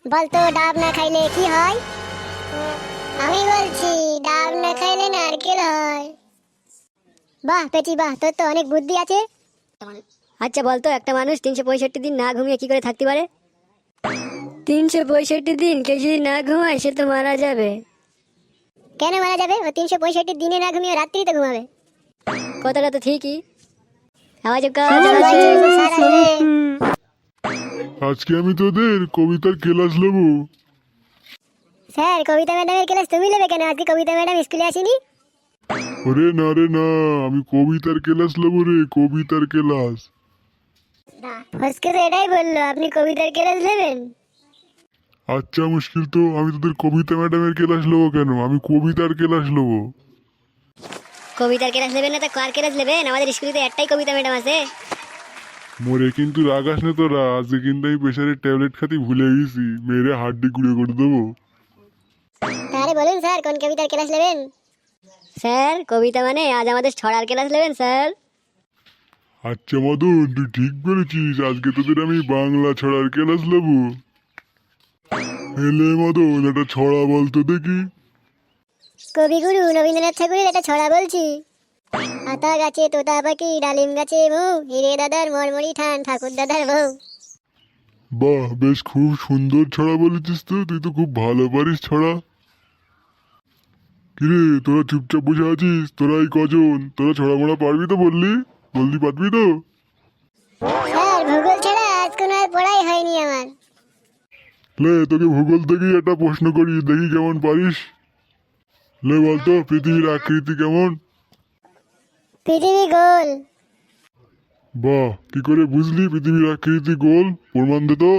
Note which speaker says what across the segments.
Speaker 1: বলতো ডাব না খাইলে কি হয়? আমি বলছি ডাব না খাইলে নারকেল হয়। বাহ পেটি বাহ, তোর তো অনেক বুদ্ধি আছে।
Speaker 2: আচ্ছা বলতো, একটা মানুষ 365 দিন না ঘুমিয়ে কি করে থাকতে পারে? 365 দিন কেউ যদি না ঘুমায় সে তো মারা যাবে।
Speaker 1: কেন মারা যাবে? ও 365 দিনে না ঘুমিয়ে রাত্রি তো ঘুমাবে।
Speaker 2: কথাটা তো ঠিকই। আওয়াজ কাজ
Speaker 1: চল ভাই,
Speaker 2: আছে।
Speaker 1: স্যার আসবে।
Speaker 3: আজকে আমি তোদের কবিতার ক্লাস নেব।
Speaker 1: স্যার কবিতা ম্যাডামের ক্লাস তুমি নেবে কেন? আজকে কবিতা ম্যাডাম স্কুলে আসেনি।
Speaker 3: ওরে না রে না, আমি কবিতার ক্লাস নেব রে, কবিতার ক্লাস।
Speaker 1: ফসকে তো এটাই বললো, আপনি কবিতার ক্লাস নেবেন।
Speaker 3: আচ্ছা মুশকিল তো, আমি তোদের কবিতা ম্যাডামের ক্লাস নেবো কেন? আমি কবিতার ক্লাস নেবো।
Speaker 2: কবিতার ক্লাস নেবেন না তো কার ক্লাস নেবেন? আমাদের স্কুলে তো একটাই কবিতা ম্যাডাম আছে।
Speaker 3: মোরে কিন্তু রাগাস না তোরা, আজকে কিন্তু আমি প্রেশারের ট্যাবলেট খাতি ভুলে গেছি, মেরে হাড্ডি গুঁড়ো করে দেবো।
Speaker 1: তাহলে বলুন স্যার কোন কবিতার ক্লাস নেবেন?
Speaker 2: স্যার কবিতা মানে আজ আমাদের ছড়ার ক্লাস নেবেন স্যার।
Speaker 3: আচ্ছা মদন, তুই ঠিক বলেছিস, আজকে তোদের আমি বাংলা ছড়ার ক্লাস নেবো। এলে মদন, একটা ছড়া বলতো দেখি।
Speaker 1: কবিগুরু রবীন্দ্রনাথ ঠাকুরের একটা ছড়া বলছি। আতা গাছে তোতা পাখি, ডালিম গাছে মৌ, হিরে দাদার মরমরি ঠান, ঠাকুর দাদার বউ।
Speaker 3: বাহ, বেশ খুব সুন্দর ছড়া বলেছিস তো, তুই তো খুব ভালো পারিস ছড়া। কিরে তোরা চুপচাপ বসে আছিস? তোরা এই কজন, তোরা ছড়া মোড়া পারবি তো? বললি পারবি তো?
Speaker 1: স্যার ভূগোল ছাড়া আজ কোনো আর পড়াই হয়নি আমার।
Speaker 3: লে তোকে ভূগোল থেকেই একটা প্রশ্ন করি, দেখি কেমন পারিস। লে বলতো, পৃথিবীর আকৃতি কেমন?
Speaker 1: পৃথিবী গোল।
Speaker 3: বাহ, কি করে বুঝলি পৃথিবীর আকৃতি গোল? প্রমাণ দে তো।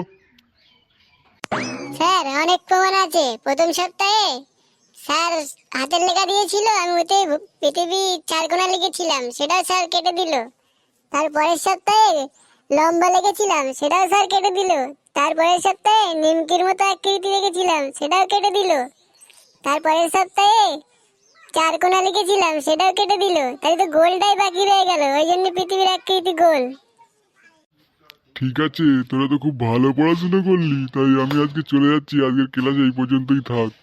Speaker 1: স্যার অনেক প্রমাণ আছে। প্রথম সপ্তাহে স্যার হাতের লেখা দিয়েছিল, আমি ওতে পৃথিবী চারকোনা লিখেছিলাম, সেটাও স্যার কেটে দিল। তারপরের সপ্তাহে লম্বা লিখেছিলাম, সেটাও স্যার কেটে দিল। তারপরের সপ্তাহে নিমকির মতো আকৃতি লিখেছিলাম, সেটাও কেটে দিল। তারপরের সপ্তাহে চারকোনা লিখেছিলাম, সেটাও কেটে দিল। তাই তো গোলটাই বাকি রয়ে গেল, ওই জন্য পৃথিবীর আকৃতি গোল।
Speaker 3: ঠিক আছে, তোরা তো খুব ভালো পড়াশোনা করলি, তাই আমি আজকে চলে যাচ্ছি, আজকের ক্লাস এই পর্যন্তই থাক।